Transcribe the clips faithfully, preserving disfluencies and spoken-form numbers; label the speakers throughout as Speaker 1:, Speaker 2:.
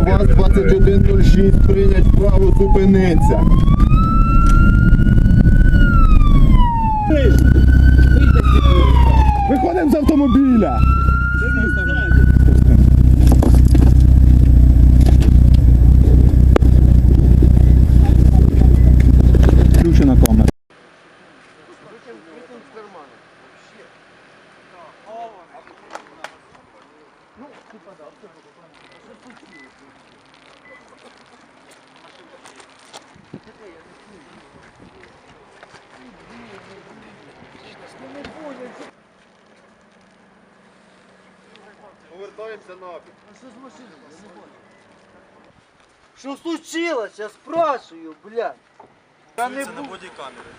Speaker 1: ВАЗ двадцять один нуль шість, прийнять вправо, зупиниться. Виходимо з автомобіля. Включена камера. Повертаємося нафіг.
Speaker 2: Что случилось? Я спрашиваю, блядь. Я не
Speaker 3: на
Speaker 2: буду.
Speaker 3: бодікамери.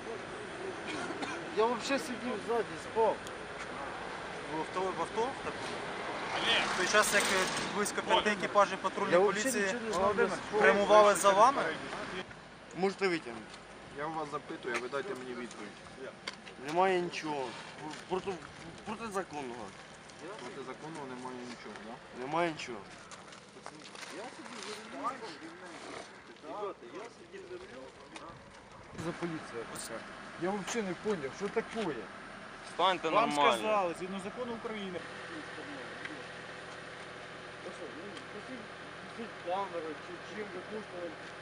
Speaker 2: Я вообще сидів ззаді, спав.
Speaker 3: В авто, в авто? Так. В той час, як близько п'яти екіпажів патрульної
Speaker 2: Я вообще
Speaker 3: поліції
Speaker 2: нічого не знав, я спав.
Speaker 3: прямували за вами,
Speaker 2: Можете витягнути.
Speaker 1: Я у вас запитую, а ви дайте мені відповідь.
Speaker 2: Немає нічого. Проти, протизаконного.
Speaker 1: Проти закону немає нічого, так? Да?
Speaker 2: Немає нічого.
Speaker 4: За поліція така. Я взагалі не зрозумів, що таке.
Speaker 5: Станьте
Speaker 4: Вам
Speaker 5: нормально.
Speaker 4: сказали, згідно закону України.
Speaker 2: Камеру, чи чим ви пустили